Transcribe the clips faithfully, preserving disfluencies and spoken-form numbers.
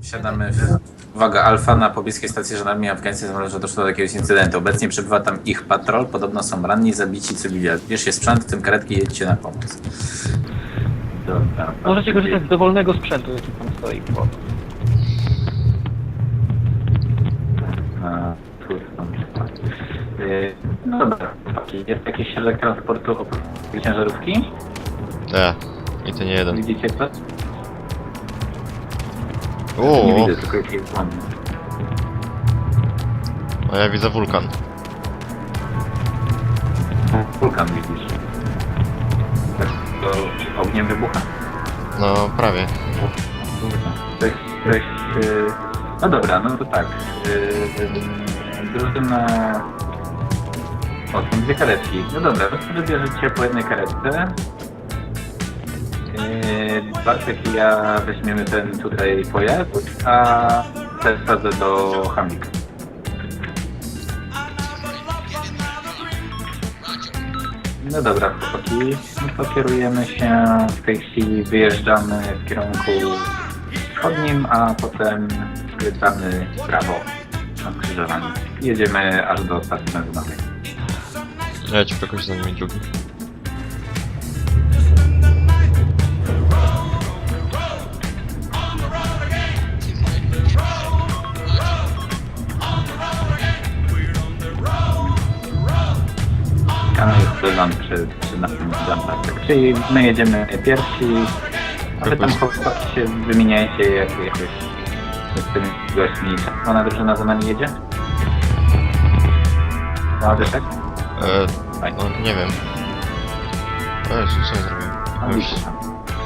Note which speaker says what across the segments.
Speaker 1: Siadamy w... Uwaga, Alfa na pobliskiej stacji żandarmerii afgańskiej zamierza, że doszło do jakiegoś incydentu. Obecnie przebywa tam ich patrol, podobno są ranni, zabici cywile. Bierzcie sprzęt, w tym karetki i jedźcie na pomoc. Dobra.
Speaker 2: Możecie korzystać z dowolnego sprzętu, jaki tam stoi. Bo...
Speaker 1: A, tu są. Yy, no dobra, jest jakiś środek transportu oprócz ciężarówki?
Speaker 3: Nie, i to nie jeden.
Speaker 1: Widzicie coś? Nie
Speaker 3: Uuu,
Speaker 1: widzę, tylko jakiś płomień.
Speaker 3: a ja widzę wulkan.
Speaker 1: Wulkan widzisz. Tak, to ogniem wybucha.
Speaker 3: No, prawie.
Speaker 1: Ktoś, ktoś, yy... No dobra, no to tak. Yy, drużyna... O, są dwie karetki. No dobra, to sobie bierzecie po jednej karetce. Yy, Bartek i ja weźmiemy ten tutaj pojazd, a ten wsadzę do Hamika. No dobra, chłopaki, no to kierujemy się, w tej chwili wyjeżdżamy w kierunku wschodnim, a potem skręcamy w prawo na skrzyżowaniu. Jedziemy aż do stacji benzynowej.
Speaker 3: Ja ci jakoś za nimi drugi.
Speaker 1: Kanał jest wyląd przy, przy naszym jumperze. Czyli my jedziemy pierwsi, a wy tam chłopaki się wymieniajcie jak, jakoś z tymi gośćmi. Ona drużyna za nami jedzie? No, wiesz tak?
Speaker 3: E, no, nie wiem. O Jezu, co ja zrobiłem?
Speaker 1: A,
Speaker 3: Już.
Speaker 1: widzisz tam.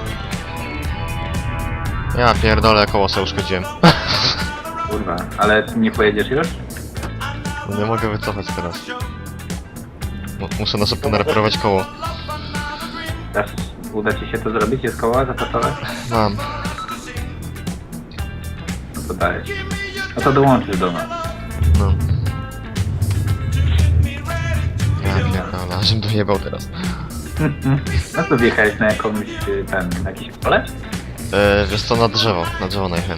Speaker 3: Ja pierdolę, koło sobie uszkodziłem.
Speaker 1: Kurwa, ale ty nie pojedziesz już?
Speaker 3: Nie mogę wycofać teraz. Mu- Muszę na szybko nareperować koło.
Speaker 1: Dasz, uda ci się to zrobić? Jest koła zapasowe?
Speaker 3: Mam.
Speaker 1: No to dajesz. No to dołączysz do nas.
Speaker 3: No. Ja pierdolę, ażem dojebał teraz.
Speaker 1: No to wjechałeś na jakąś, y, ten, na jakieś pole?
Speaker 3: E, wiesz co, na drzewo. Na drzewo najchęć.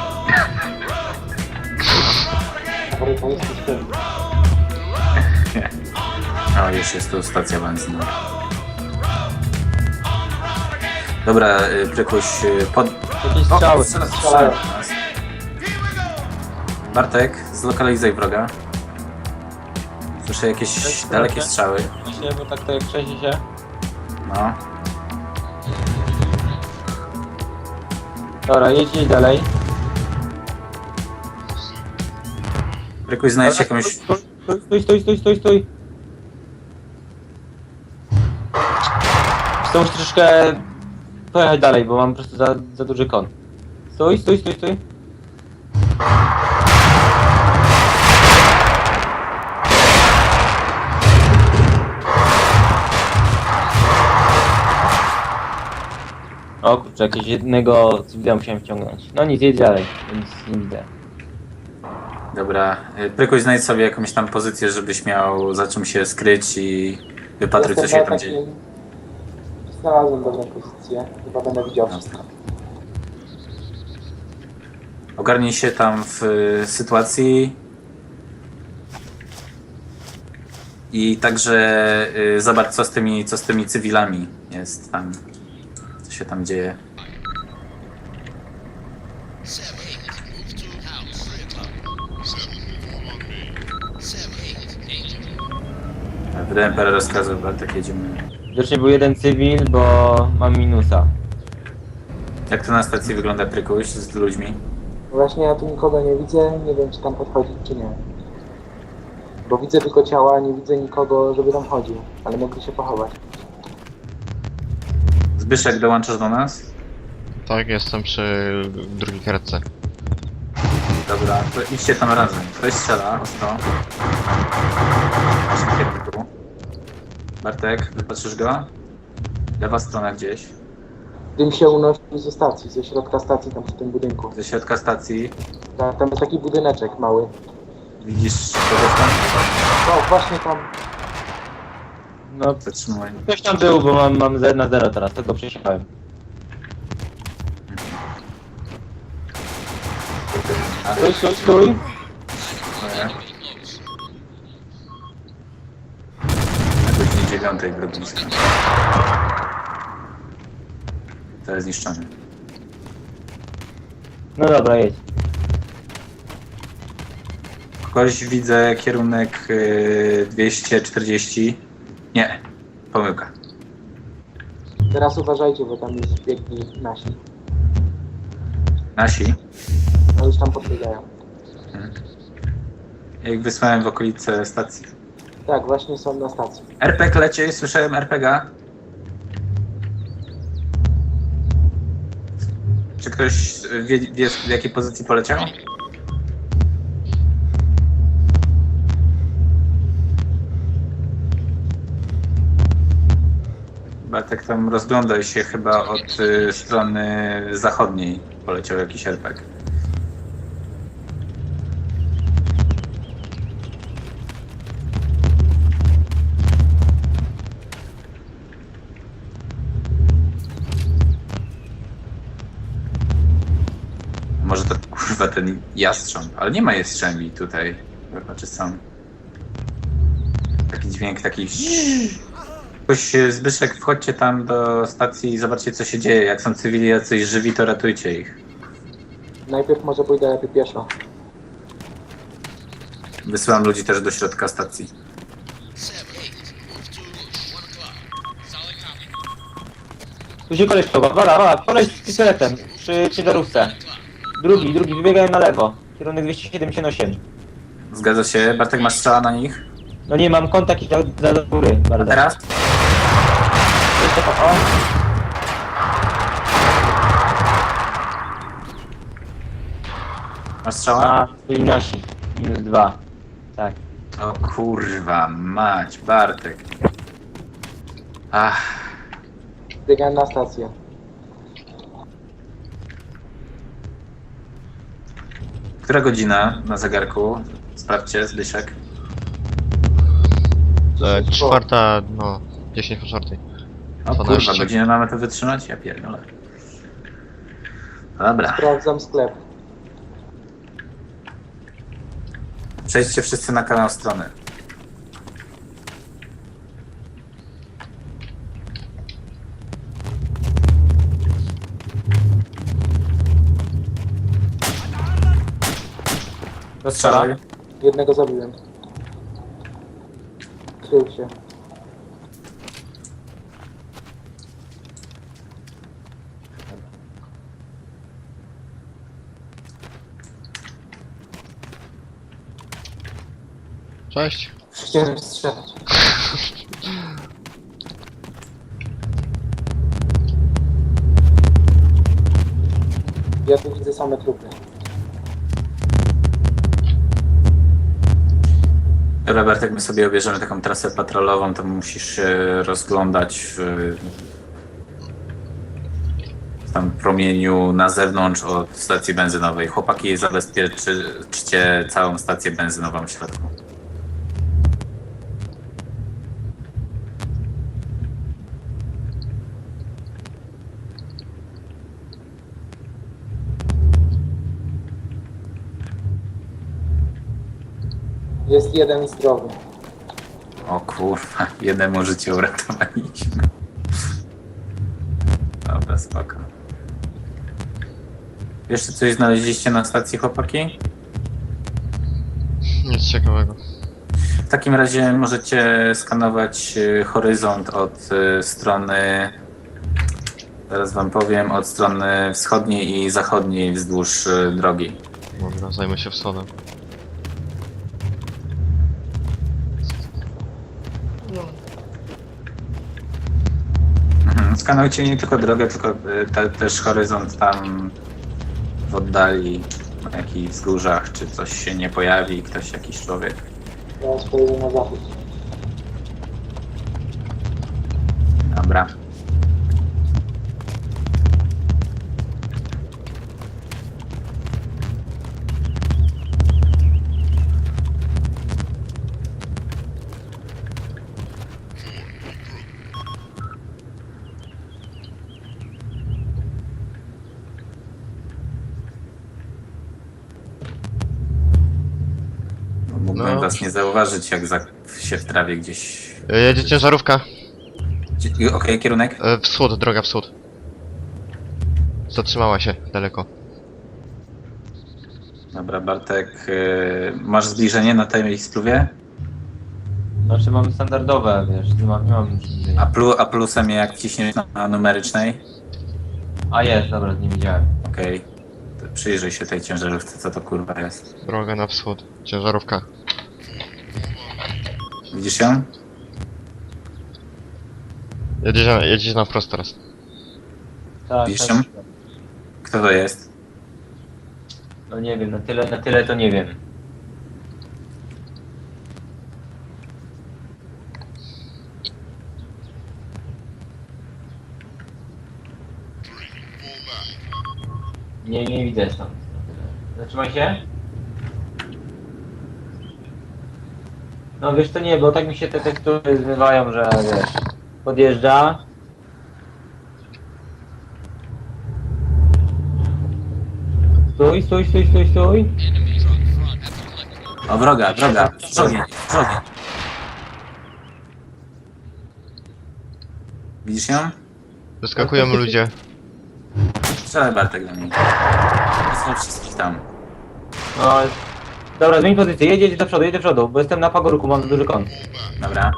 Speaker 1: O, już jest tu stacja benzynowa. Dobra, y, Prykuś, y, pod...
Speaker 2: Jakieś strzały.
Speaker 1: strzela- strzelają w nas. Bartek, zlokalizuj wroga. Słyszę jakieś dalekie strzały.
Speaker 2: Właśnie, bo tak to jak trzęsie się.
Speaker 1: No.
Speaker 2: Dobra, jedź, jedź dalej.
Speaker 1: Prykuś, znajdź jakąś...
Speaker 2: Stój, stój, stój, stój, stój, stój. Chcę musisz troszeczkę pojechać dalej, bo mam po prostu za, za duży kon. Stój, stój, stój, stój. O kurczę, jakiegoś jednego cywila musiałem wciągnąć. No nic, jedź dalej, więc nie widzę.
Speaker 1: Dobra, y, Prykuś, znajdź sobie jakąś tam pozycję, żebyś miał za czym się skryć i wypatruj, co się tam dzieje.
Speaker 4: Znalazłem dobrą pozycję. Chyba będę widział wszystko.
Speaker 1: Ogarnij się tam w y, sytuacji i także y, zobacz, co z tymi, co z tymi cywilami jest tam, co się tam dzieje. Wydałem parę rozkazów, ale tak jedziemy.
Speaker 2: Widocznie był jeden cywil, bo mam minusa.
Speaker 1: Jak to na stacji wygląda, Prykuś, z ludźmi?
Speaker 4: Właśnie ja tu nikogo nie widzę, nie wiem czy tam podchodzić czy nie. Bo widzę tylko ciała, nie widzę nikogo, żeby tam chodził, ale mogli się pochować.
Speaker 1: Zbyszek, dołączasz do nas?
Speaker 3: Tak, jestem przy drugiej karetce.
Speaker 1: Dobra, to idźcie tam razem. Ktoś strzela, ostro. W naszym kierunku. Bartek, wypatrzysz go? Lewa strona gdzieś.
Speaker 4: Dym się unosi ze stacji, ze środka stacji, tam przy tym budynku.
Speaker 1: Ze środka stacji.
Speaker 4: Ta- Tam jest taki budyneczek mały.
Speaker 1: Widzisz kogoś tam?
Speaker 4: O, właśnie tam.
Speaker 2: No,
Speaker 1: Zatrzymuj.
Speaker 2: ktoś tam był, bo mam, mam zero na zero teraz, tego przesiałem. Stój, stój, stój.
Speaker 1: Nie. Na godzinie dziewiątej grodziska. To jest zniszczony.
Speaker 2: No dobra, jedź.
Speaker 1: Kogoś widzę kierunek y, dwieście czterdzieści. Nie, pomyłka.
Speaker 4: Teraz uważajcie, bo tam już biegli nasi.
Speaker 1: Nasi.
Speaker 4: No już tam podbiegają.
Speaker 1: Jak wysłałem w okolice stacji.
Speaker 4: Tak, właśnie są na stacji.
Speaker 1: R P G lecie, słyszałem R P G. Czy ktoś wie, wie w jakiej pozycji poleciał? Bartek tam rozglądaj się, chyba od y, strony zachodniej poleciał jakiś R P G. Może to kurwa ten jastrząb, ale nie ma jastrzębi tutaj. Znaczy są. Taki dźwięk, taki. Ktoś, Zbyszek, wchodźcie tam do stacji i zobaczcie co się dzieje. Jak są cywili jacyś żywi, to ratujcie ich.
Speaker 4: Najpierw może pójdę lepiej pieszo.
Speaker 1: Wysyłam ludzi też do środka stacji.
Speaker 2: Tu się koleś chowa, wala, wala, koleś z pistoletem przy ciężarówce. Drugi, drugi, wybiegają na lewo. Kierunek dwieście siedemdziesiąt osiem.
Speaker 1: Zgadza się. Bartek, masz strzała na nich?
Speaker 2: No nie, mam kontakt i za do góry,
Speaker 1: A
Speaker 2: bardzo.
Speaker 1: teraz?
Speaker 2: Jeszcze po, o.
Speaker 1: Masz strzała?
Speaker 2: A, byli nasi. Minus dwa. Tak.
Speaker 1: O kurwa, mać, Bartek. Ach,
Speaker 4: Biegałem na stację.
Speaker 1: która godzina na zegarku? Sprawdźcie, Zbyszek.
Speaker 3: E, czwarta, no, dziesięć po czwartej.
Speaker 1: O
Speaker 3: dwanaście.
Speaker 1: kurwa, godzinę mamy to wytrzymać? Ja pierdolę. Dobra,
Speaker 4: Sprawdzam sklep.
Speaker 1: przejdźcie wszyscy na kanał strony. Rozstrzelaj.
Speaker 4: Jednego zabiłem. Krył się.
Speaker 3: Cześć.
Speaker 4: Chciałem strzelać. Ja tu widzę same trupy.
Speaker 1: Dobra, Bartek, my sobie obierzemy taką trasę patrolową, to musisz się rozglądać w, w tam promieniu na zewnątrz od stacji benzynowej. Chłopaki, zabezpieczcie całą stację benzynową w środku.
Speaker 4: Jest jeden zdrowy.
Speaker 1: O kurwa, jednemu życie uratowaliśmy. Dobra, spoko. Jeszcze coś znaleźliście na stacji, chłopaki?
Speaker 3: Nic ciekawego.
Speaker 1: W takim razie możecie skanować y, horyzont od y, strony, zaraz wam powiem, od strony wschodniej i zachodniej wzdłuż y, drogi.
Speaker 3: Dobra, zajmę się wschodem.
Speaker 1: Mhm. Skanujcie nie tylko drogę, tylko y, te, też horyzont tam w oddali, na jakichś wzgórzach, czy coś się nie pojawi, ktoś, jakiś człowiek.
Speaker 4: Teraz pojedę na zachód.
Speaker 1: Dobra. Mogłem
Speaker 3: No.
Speaker 1: was nie zauważyć, jak za... się w trawie gdzieś...
Speaker 3: E, Jedzie ciężarówka.
Speaker 1: Gdzie- Okej, kierunek?
Speaker 3: E, Wschód, droga wschód. Zatrzymała się daleko.
Speaker 1: Dobra, Bartek, yy, masz zbliżenie na tej spluwie?
Speaker 2: Znaczy mam standardowe, wiesz, nie mam, nie mam
Speaker 1: A, plu, a plusem jak wciśniesz na, na numerycznej?
Speaker 2: A jest, dobra, nie widziałem.
Speaker 1: Okej. To przyjrzyj się tej ciężarówce, co to kurwa jest.
Speaker 3: Droga na wschód. Ciężarówka.
Speaker 1: Widzisz ją?
Speaker 3: Jedziesz na, jedziesz na wprost teraz.
Speaker 2: Tak,
Speaker 1: Widzisz
Speaker 2: tak.
Speaker 1: ją? Kto to jest?
Speaker 2: No nie wiem, na tyle, na tyle to nie wiem. Nie, nie widzę stąd. Zatrzymaj się. No wiesz to nie, bo tak mi się te tekstury zmywają, że wiesz, podjeżdża. Stój, stój, stój, stój, stój.
Speaker 1: O, wroga, wroga, wrogie, wrogie. Widzisz ją?
Speaker 3: Wyskakują ludzie.
Speaker 1: Strzelaj Bartek do niej. Są wszystkich tam.
Speaker 2: No, dobra, zmień pozycję, jedź, jedź do przodu, jedź do przodu, bo jestem na pagórku, mam duży kąt.
Speaker 1: Dobra.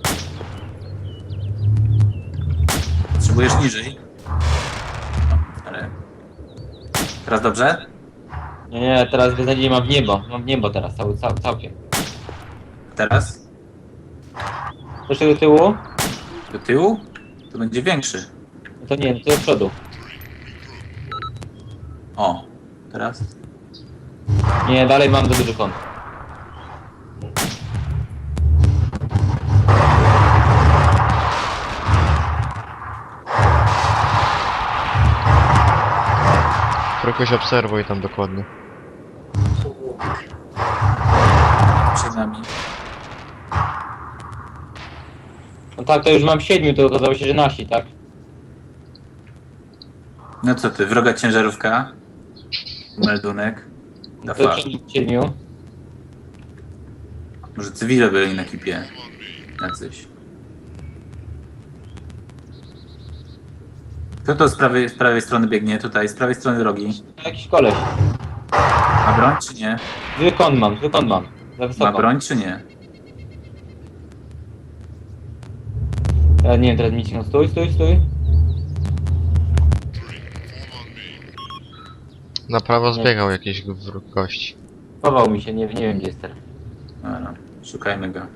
Speaker 1: Potrzebujesz niżej. O, ale... Teraz dobrze?
Speaker 2: Nie, nie, teraz beznadziejnie mam w niebo, mam w niebo teraz, cały, cał, całkiem.
Speaker 1: Teraz?
Speaker 2: Jeszcze do tyłu?
Speaker 1: Do tyłu? To będzie większy.
Speaker 2: No to nie, to do przodu.
Speaker 1: O, teraz?
Speaker 2: Nie, dalej mam za duży kąt.
Speaker 3: Jakoś obserwuj tam dokładnie.
Speaker 1: Przed nami.
Speaker 2: No tak, to już mam siedmiu, to okazało się, że nasi, tak?
Speaker 1: No co ty, wroga ciężarówka? Meldunek.
Speaker 2: No
Speaker 1: Da
Speaker 2: to
Speaker 1: far.
Speaker 2: siedmiu.
Speaker 1: Może cywile byli na ekipie. Jacyś. Kto to z prawej, z prawej strony biegnie? Tutaj, z prawej strony drogi.
Speaker 2: Jakiś koleś.
Speaker 1: Ma broń czy nie?
Speaker 2: Zły kąt mam, zły kąt mam. Za
Speaker 1: Ma
Speaker 2: wysoko.
Speaker 1: broń czy nie?
Speaker 2: Ja nie wiem, teraz mi cię, stój, stój, stój.
Speaker 3: Na prawo zbiegał jakiś wróg gość.
Speaker 2: Chował mi się, nie, nie wiem gdzie jest teraz.
Speaker 1: Dobra, szukajmy go.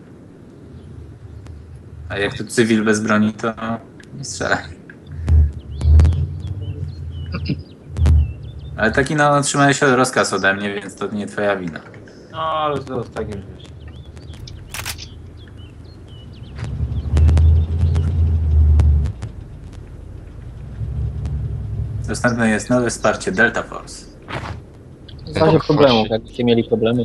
Speaker 1: A jak tu cywil bez broni, to nie strzelaj. Ale taki no, otrzymałeś rozkaz ode mnie, więc to nie twoja wina.
Speaker 2: No, ale to jest tak już wiesz.
Speaker 1: Następne jest nowe wsparcie Delta Force.
Speaker 5: W razie problemów, jakbyście mieli problemy.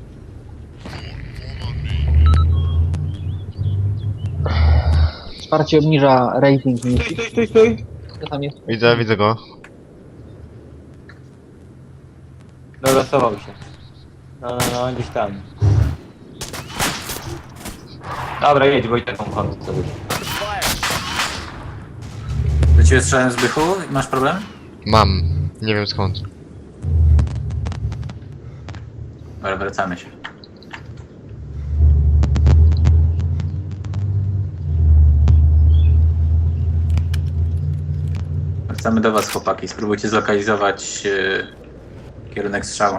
Speaker 5: Wsparcie obniża rating
Speaker 2: Stój,
Speaker 5: misji.
Speaker 2: stój, stój, stój.
Speaker 5: Co tam jest?
Speaker 3: Widzę, widzę go.
Speaker 2: Dobra, schował się. No, no, no, gdzieś tam. Dobra, jedź, bo i taką kąt sobie.
Speaker 1: Do ciebie strzelałem z bychu? Masz problem?
Speaker 3: Mam. Nie wiem skąd.
Speaker 1: Dobra, wracamy się. Wracamy do was, chłopaki. Spróbujcie zlokalizować e, kierunek strzału.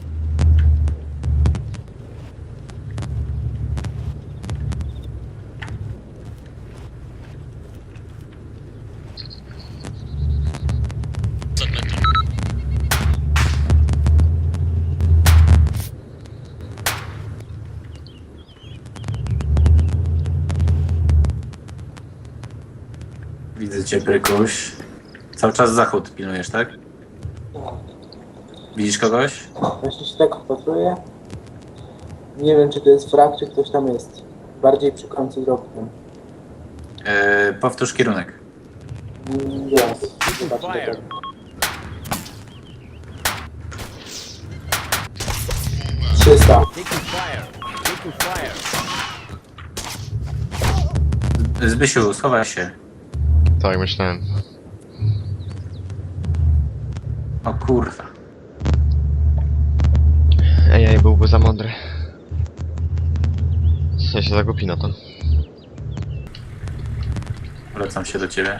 Speaker 1: Widzę cię, Prykuś. Cały czas zachód pilnujesz, tak? Widzisz kogoś?
Speaker 4: Właśnie się tak wpatruję. Nie wiem, czy to jest frak, czy ktoś tam jest. Bardziej przy końcu drogi.
Speaker 1: E, powtórz kierunek.
Speaker 4: Mm, Jest. Zobaczmy tak. trzysta.
Speaker 1: Zbysiu, schowaj się.
Speaker 3: Tak, myślałem.
Speaker 1: O kurwa.
Speaker 3: Ej, ej, byłby za mądry. Ja się zagubi na to.
Speaker 1: Wracam się do ciebie.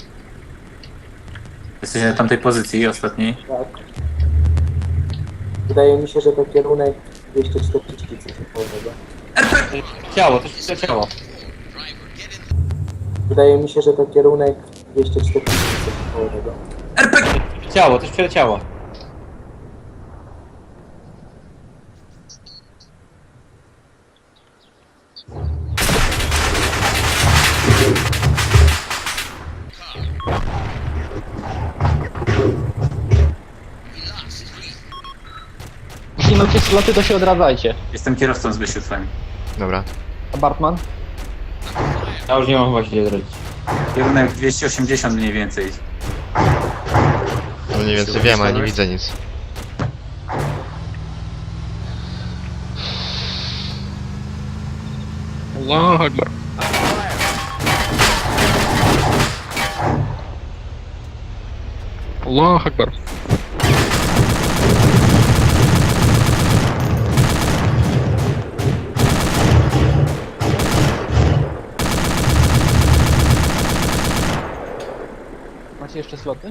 Speaker 1: Jesteś na tamtej pozycji ostatniej.
Speaker 4: Tak. Wydaje mi się, że to kierunek dwieście czterdzieści coś połowego.
Speaker 2: Ciało, to się ciało.
Speaker 4: Wydaje mi się, że to kierunek dwieście czterdzieści coś połowego.
Speaker 2: Ciało, to się ciało.
Speaker 5: Jeśli macie sloty, to się odradzajcie.
Speaker 1: Jestem kierowcą Zbysiu twoim.
Speaker 3: Dobra.
Speaker 5: A Bartman?
Speaker 2: Ja już nie mam chyba się gdzie zrobić.
Speaker 1: Kierunek dwieście osiemdziesiąt mniej więcej.
Speaker 3: No mniej więcej wiem, ale nie widzę nic.
Speaker 5: Allah Akbar. Allah Akbar. Macie jeszcze sloty?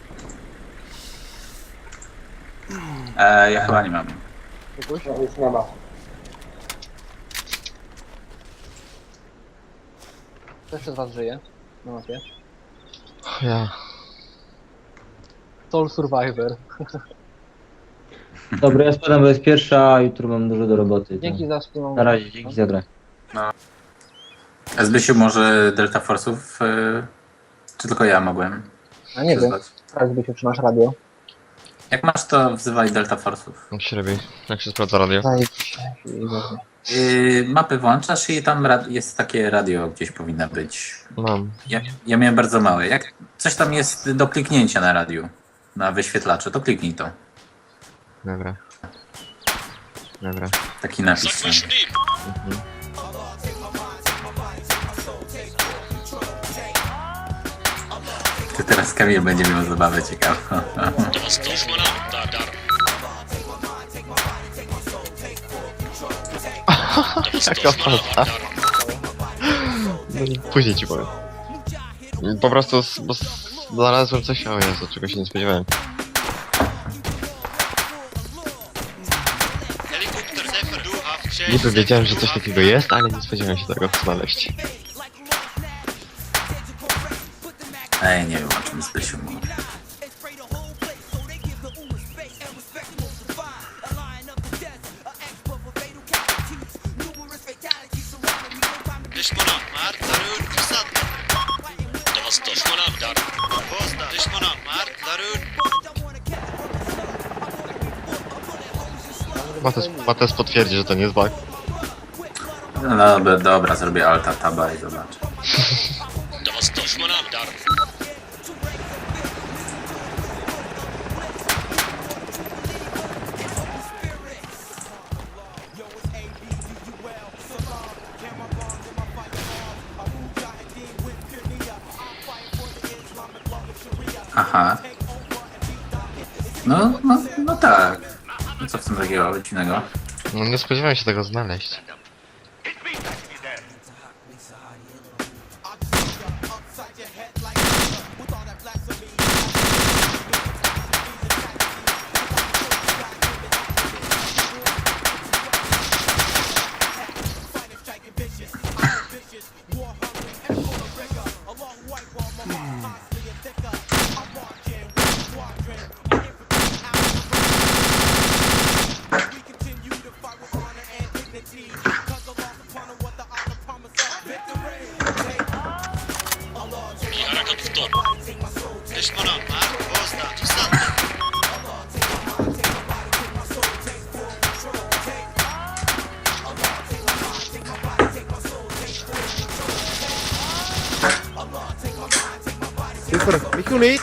Speaker 1: E, ja chyba nie mam.
Speaker 5: Jakoś?
Speaker 4: No już nie ma.
Speaker 5: Kto jeszcze z was żyje? Na mapie.
Speaker 3: Ja.
Speaker 5: Soul Survivor.
Speaker 2: Dobra, ja spadam, bo jest pierwsza, a jutro mam dużo do roboty.
Speaker 5: Dzięki za wspólną
Speaker 2: Na razie, dzięki za grę.
Speaker 1: A Zbysiu, może Delta Force'ów? E, czy tylko ja mogłem?
Speaker 5: A nie wiem,
Speaker 1: przyzwać?
Speaker 5: teraz by się trzymasz radio.
Speaker 1: Jak masz, to wzywaj Delta Force'ów.
Speaker 3: Jak się robi? Jak się sprawdza radio?
Speaker 5: Zajebiście. I dobrze.
Speaker 1: Yy, mapy włączasz i tam rad- jest takie radio gdzieś powinno być.
Speaker 3: Mam.
Speaker 1: Ja, ja miałem bardzo małe. Jak coś tam jest do kliknięcia na radiu, na wyświetlaczu, to kliknij to.
Speaker 3: Dobra. Dobra.
Speaker 1: Taki napis. tam.
Speaker 3: Mhm.
Speaker 1: Ty teraz Kamil będzie miał zabawę ciekawą.
Speaker 3: Jaka faza. No, później ci powiem. Po prostu s- bo s- znalazłem coś, o Jezu, czego się nie spodziewałem. Niby wiedziałem, że coś takiego jest, ale nie spodziewałem się tego znaleźć.
Speaker 1: Ej, nie wiem o czym Zbysiu mówi.
Speaker 6: Düşmana martların fırsatlı. Dost düşmana dar. Posta düşmana martların.
Speaker 3: Mates, Mates potwierdzi, że to nie jest bug.
Speaker 1: No dobra, dobra, zrobię alta taba i zobaczę.
Speaker 6: Dost düşmana dar.
Speaker 1: Aha. No, no, no tak. No co w tym takiego dziwnego?
Speaker 3: No nie spodziewałem się tego znaleźć.
Speaker 6: Bir hareket tutur. Düşmana mart. Posta fırsatlı. Makam kuli.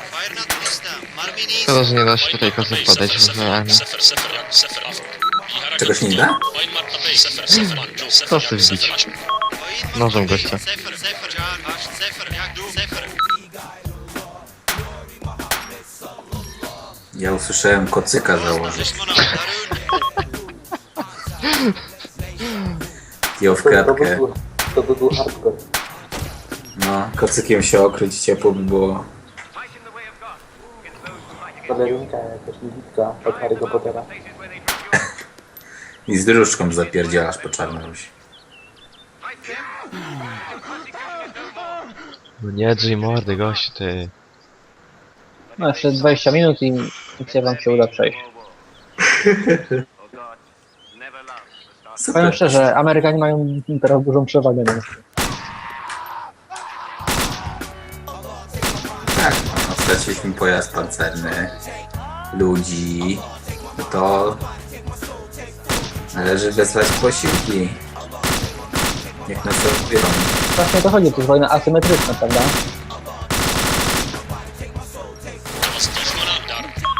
Speaker 6: Fayrnat usta. Marmini.
Speaker 3: Szkoda, że nie da się tutaj kosy wkładać w armię.
Speaker 6: Sefer sefer sefer. Bir hareket
Speaker 1: Czego się nie da?
Speaker 6: وين مرتبي صفر صفر جو صفر
Speaker 3: Co chcesz bić? Nożem gościa.
Speaker 6: صفر صفر جان باش صفر ياك دو صفر
Speaker 1: Ja usłyszałem kocyka założyć.
Speaker 6: ليش منام دارون
Speaker 1: Ją w
Speaker 4: To, to, by
Speaker 1: kratkę.
Speaker 4: był, to by był hardcore.
Speaker 1: No, kocykiem się okryć, ciepło by było.
Speaker 4: Balerinka jakaś niewidka od Harry'ego Pottera.
Speaker 1: I z dróżką zapierdzielasz po Czarnorusi.
Speaker 3: No nie drzyj mordy, gościu, ty.
Speaker 5: No jeszcze dwadzieścia minut i misja wam się uda przejść. Powiem
Speaker 1: Super.
Speaker 5: szczerze, Amerykanie mają teraz dużą przewagę na nas.
Speaker 1: Tak, no, straciliśmy pojazd pancerny, ludzi, no to należy wezwać posiłki. Niech nas odbiorą.
Speaker 5: Właśnie o to chodzi, to jest wojna asymetryczna, prawda?
Speaker 6: توسطش منام دار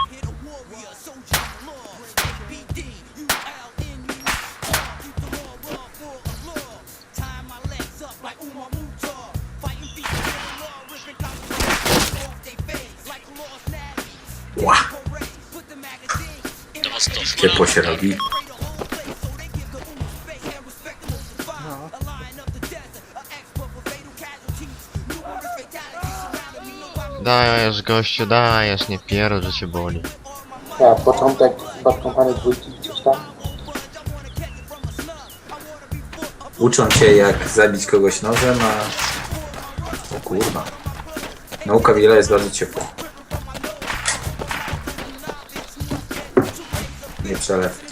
Speaker 1: Ła,
Speaker 6: توسطش
Speaker 1: ciepło się robi.
Speaker 3: Dajesz, gościu, dajesz, nie pierdol, że cię boli.
Speaker 4: Ja, początek Bad Company dwójki gdzieś tam.
Speaker 1: Uczą cię jak zabić kogoś nożem, a... O kurwa. Nauka wiele jest bardzo ciepło. Nie przelew.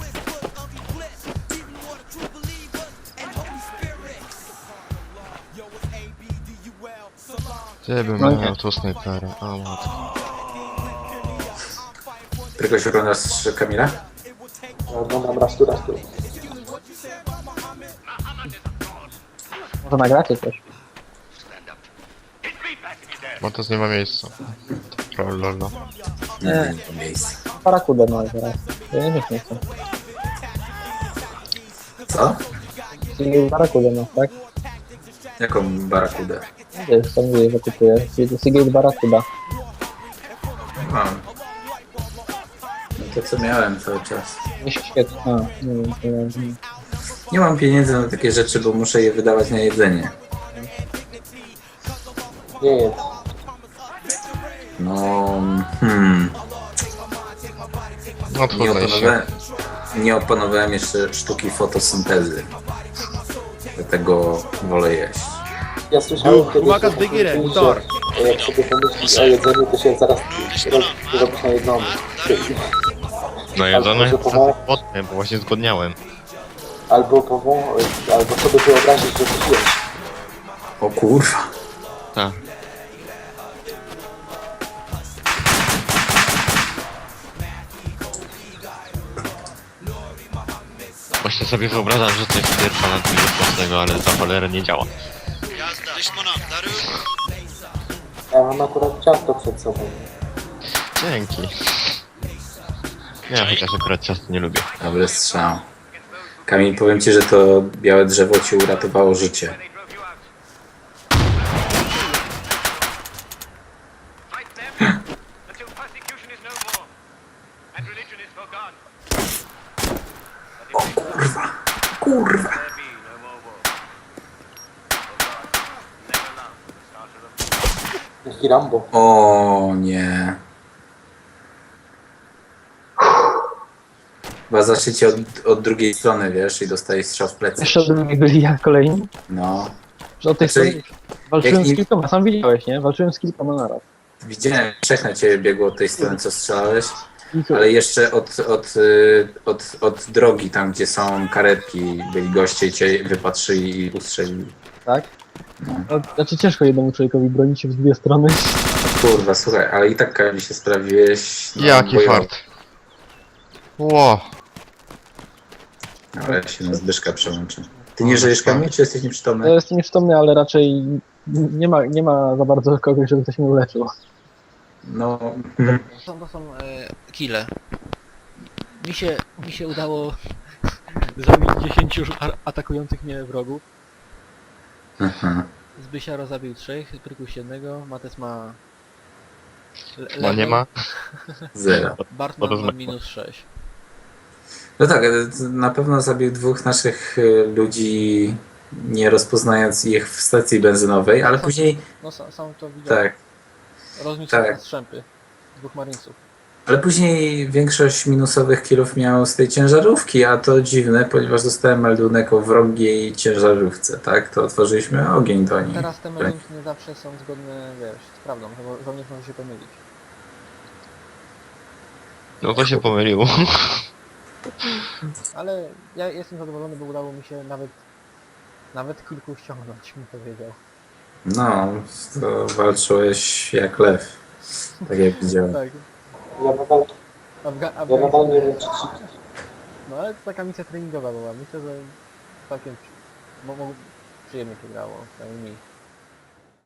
Speaker 3: Ty bym
Speaker 5: No nie.
Speaker 3: miał tu snajpera, o matko.
Speaker 1: Tylko się oglądasz Kamila?
Speaker 4: Ja oglądam raz tu, raz tu.
Speaker 5: Może nagracie coś.
Speaker 3: Bo to nie ma miejsca. Lolo.
Speaker 1: Nie, nie ma miejsca.
Speaker 5: Barakudę no teraz. Ja nie wiem, nie chcę.
Speaker 1: Co?
Speaker 5: Czyli Barakudę no, tak?
Speaker 1: Jaką barakudę?
Speaker 5: Wiesz, tam mówię, że kupuję. Seagate Barakuda.
Speaker 1: Nie mam. No to co miałem cały czas.
Speaker 5: Nie świetnie. A, nie wiem, to ja...
Speaker 1: Nie mam pieniędzy na takie rzeczy, bo muszę je wydawać na jedzenie.
Speaker 4: Nie jest.
Speaker 1: No, hmm.
Speaker 3: No
Speaker 1: Nie
Speaker 3: trudno się.
Speaker 1: opanowałem, nie opanowałem jeszcze sztuki fotosyntezy. Dlatego wolę jeść.
Speaker 4: Ja słyszałem kiedyś, że, że jak sobie pomyślisz o jedzeniu, to się zaraz roz- robisz na jedną.
Speaker 3: No jedzone
Speaker 4: Albo, że powo-
Speaker 3: potem, bo właśnie zgodniałem.
Speaker 4: Albo pową, albo sobie wyobrazić, że coś jesz.
Speaker 1: O kurwa.
Speaker 3: Tak. Właśnie sobie wyobrażam, że to jest pierwsza na tym mocnego, ale za cholerę nie działa.
Speaker 6: يازدا ليش منام دارون
Speaker 4: Ja mam akurat ciasto przed sobą.
Speaker 3: Dzięki. Ja chociaż akurat ciasto nie lubię.
Speaker 1: Dobry strzał. Kamil, powiem ci, że to białe drzewo ci uratowało życie. O kurwa. Kurwa.
Speaker 4: Jaki Rambo.
Speaker 1: O nie. Chyba zaczniecie od, od drugiej strony, wiesz, i dostajesz strzał w plecy.
Speaker 5: Jeszcze od mnie byli jak kolejni.
Speaker 1: No.
Speaker 5: Że od tej
Speaker 1: Znaczy,
Speaker 5: strony walczyłem
Speaker 1: jak
Speaker 5: z
Speaker 1: nie-
Speaker 5: kilkoma, sam widziałeś, nie? Walczyłem z kilkoma naraz.
Speaker 1: Widziałem, trzech na ciebie biegło od tej strony, co strzelałeś.
Speaker 5: I co?
Speaker 1: Ale jeszcze od, od, y, od, od drogi, tam gdzie są karetki, byli goście i cię wypatrzyli i ustrzelili.
Speaker 5: Tak? No, znaczy ciężko jednemu człowiekowi bronić się w dwie strony.
Speaker 1: Kurwa, słuchaj, ale i tak Kamil się sprawiłeś. No,
Speaker 3: Jaki
Speaker 1: bojowo.
Speaker 3: fart. Ło.
Speaker 1: Ale się na Zbyszka przełączę. Ty nie żyjesz, Kamil, czy jesteś
Speaker 5: Ja
Speaker 1: nieprzytomny?
Speaker 5: jestem nieprzytomny, ale raczej nie ma, nie ma za bardzo kogoś, żeby ktoś mnie uleczył.
Speaker 1: No,
Speaker 7: To są, to są e, kile. Mi się, mi się udało
Speaker 5: Zabić dziesięciu już a- atakujących mnie wrogów.
Speaker 1: Mhm.
Speaker 5: Zbysiaro zabił trzech, Prykuś jednego, Mates ma... Le-
Speaker 3: No nie
Speaker 5: level,
Speaker 3: ma.
Speaker 1: Zero.
Speaker 5: Bartman
Speaker 3: to
Speaker 5: ma
Speaker 3: zmykło.
Speaker 5: minus sześć.
Speaker 1: No tak, ale to na pewno zabił dwóch naszych y, ludzi, nie rozpoznając ich w stacji benzynowej, ale później...
Speaker 5: No sam, sam to widziałem.
Speaker 1: Tak,
Speaker 5: Rozniósł
Speaker 1: tak.
Speaker 5: na strzępy. Dwóch marinesów.
Speaker 1: ale później większość minusowych killów miał z tej ciężarówki, a to dziwne, ponieważ dostałem meldunek o wrogiej ciężarówce, tak? To otworzyliśmy ogień do niej.
Speaker 5: Teraz te meldunki nie zawsze są zgodne, wiesz, z prawdą, bo żołnierz może się pomylić.
Speaker 3: No to się pomyliło.
Speaker 5: Ale ja jestem zadowolony, bo udało mi się nawet nawet kilku ściągnąć, mi powiedział.
Speaker 1: No, to walczyłeś jak lew, tak jak widziałem.
Speaker 5: Tak.
Speaker 4: Ja nadal,
Speaker 5: Afga
Speaker 4: ja nadal nie
Speaker 5: Afganistan.
Speaker 4: wiem, czy ci...
Speaker 5: No ale to taka misja treningowa była. Myślę, że całkiem przy- mo- mo- przyjemnie się grało, przynajmniej mi.